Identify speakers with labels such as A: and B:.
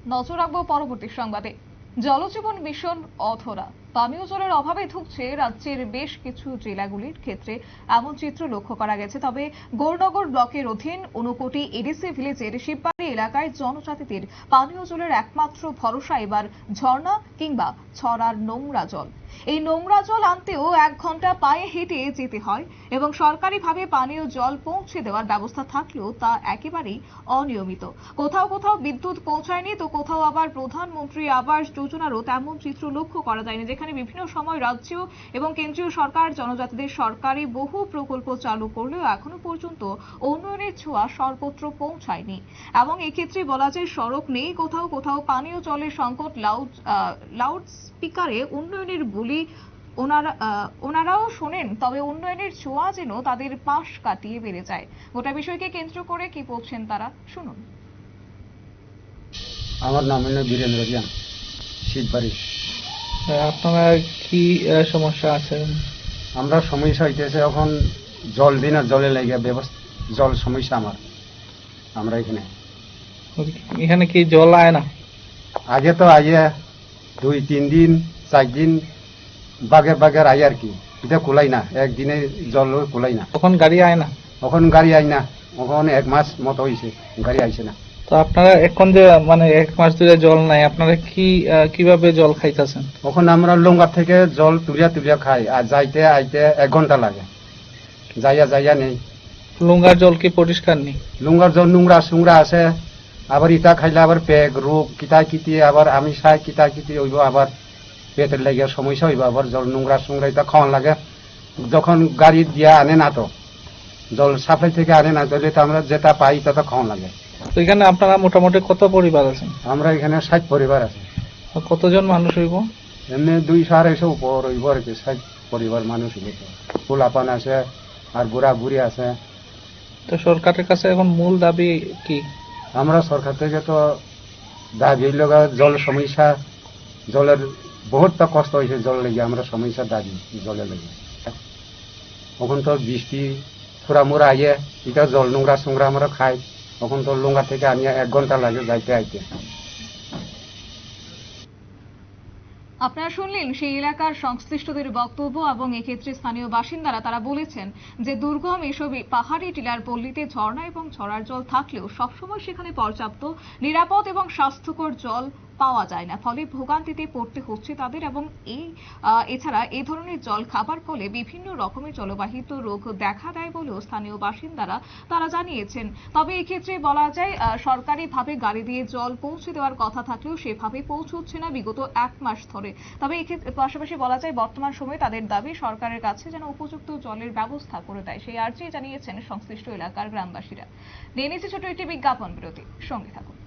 A: নজর রাখবো পরবর্তী সংবাদে। জলজীবন মিশন অধরা, পানীয় জলের অভাবে ধুঁকছে রাজ্যের বেশ কিছু জেলাগুলির ক্ষেত্রে এমন চিত্র লক্ষ্য করা গেছে। তবে গৌরনগর ব্লকের অধীন ঊনকোটি এডিসি ভিলেজের শিববাড়ি এলাকায় জনজাতিদের পানীয় জলের একমাত্র ভরসা এবার ঝর্ণা কিংবা ছড়ার নোংরা জল। এই নোংরা জল আনতেও 1 ঘন্টা পায়ে হেঁটে যেতে হয় এবং সরকারিভাবে পানীয় জল পৌঁছে দেওয়ার ব্যবস্থা থাকলেও তা একেবারেই অনিয়মিত। কোথাও কোথাও বিদ্যুৎ পৌঁছায়নি, তো কোথাও আবার প্রধানমন্ত্রী আবাস যোজনারও তেমন চিত্র লক্ষ্য করা যায়নি, যেখানে বিভিন্ন সময় রাজ্য এবং কেন্দ্রীয় সরকার জনজাতিদের সরকারি বহু প্রকল্প চালু করলেও এখনো পর্যন্ত উন্নয়নের ছোঁয়া সর্বত্র পৌঁছায়নি। এবং এক্ষেত্রে বলা যায় সড়ক নেই, কোথাও কোথাও পানীয় জলের সংকট, লাউড স্পিকারে উন্নয়নের বলি ওনারাও শোনেন, তবে উন্নয়নের ছোঁয়া যেন তাদের পাশ কাটিয়ে বেড়ে যায়। গোটা বিষয়কে কেন্দ্র করে কি বলছেন তারা, শুনুন।
B: আমার নাম হলো বীরেন্দ্র জ্ঞান, শীতবাড়ি।
C: আপনারা কি সমস্যা আছে?
B: আমরা সমস্যা হইতেছে এখন জল দিন আর জলে লেগে ব্যবস্থা, জল সমস্যা আমরা এখানে
C: কি জল আয় না?
B: আগে তো আইয়া 2-3 দিন 4 দিন বাগের আই আর কি, এটা কুলাই না, একদিনে জল কুলাই না।
C: তখন গাড়ি আয় না?
B: এখন গাড়ি আই না, এখন 1 মাস মতো হয়েছে গাড়ি আইছে না।
C: তো আপনারা এখন যে 1 মাস ধরে জল নাই, আপনারা কিভাবে জল খাইতেছেন?
B: এখন আমরা লঙ্গার থেকে জল তুলিয়া খাই, আর যাইতে আইতে 1 ঘন্টা লাগে, যাইয়া নেই।
C: লুঙ্গার জল কি পরিষ্কার নেই?
B: লুঙ্গার জল নোংরা আছে, আবার ইটা খাইলে আবার পেগ রোগ কিতি, আবার আমি খাই কিতি হইব, আবার পেটের লাগিয়া সমস্যা হইব, আবার জল নোংরা ইটা খাওয়ান লাগে। যখন গাড়ি দিয়া আনে না, তো জল সাপ্লাই থেকে আনে না, তাহলে তো আমরা যেটা পাই তা তো খাওয়ান লাগে।
C: তো এখানে আপনারা মোটামুটি কত পরিবার আছেন?
B: আমরা এখানে 60 পরিবার আছে।
C: কতজন মানুষ হইব?
B: এমনি 200-250 উপর হইব আর কি, 60 পরিবার মানুষ হইব। ফুলাপান আছে আর বুড়ি আছে।
C: তো সরকারের কাছে এখন মূল দাবি কি?
B: আমরা সরকার থেকে তো দাবি লগা জল সমস্যা, জলের বহুত কষ্ট হয়েছে, জল লেগে আমরা সমস্যা দাবি জলের লেগে। এখন তো বৃষ্টি ফুরামুরা আইয়ে এটা জল নোংরা আমরা খাই, এখন তো লুঙ্গা থেকে আনিয়ে 1 ঘন্টা লাগে যাইতে আইতে।
A: আপনারা শুনলেন সেই এলাকার সংশ্লিষ্টদের বক্তব্য, এবং এক্ষেত্রে স্থানীয় বাসিন্দারা তারা বলেছেন যে দুর্গম এসব পাহাড়ি টিলার পল্লীতে ঝর্ণা এবং ছড়ার জল থাকলেও সবসময় সেখানে পর্যাপ্ত নিরাপদ এবং স্বাস্থ্যকর জল পাওয়া যায় না, ফলে ভোগান্তিতে পড়তে হচ্ছে তাদের। এবং এছাড়া এই ধরনের জল খাবার ফলে বিভিন্ন রকমের জলবাহিত রোগ দেখা দেয় বলেও স্থানীয় বাসিন্দারা তারা জানিয়েছেন। তবে এক্ষেত্রে বলা যায় সরকারিভাবে গাড়ি দিয়ে জল পৌঁছে দেওয়ার কথা থাকলেও সেভাবে পৌঁছচ্ছে না বিগত 1 মাস ধরে। তবে এক্ষেত্রে পাশাপাশি বলা যায় বর্তমান সময়ে তাদের দাবি সরকারের কাছে যেন উপযুক্ত জলের ব্যবস্থা করে দেয়, সেই আর্জি জানিয়েছেন সংশ্লিষ্ট এলাকার গ্রামবাসীরা। নিয়ে নিচ্ছে ছোট একটি বিজ্ঞাপন বিরতি, সঙ্গে থাকুন।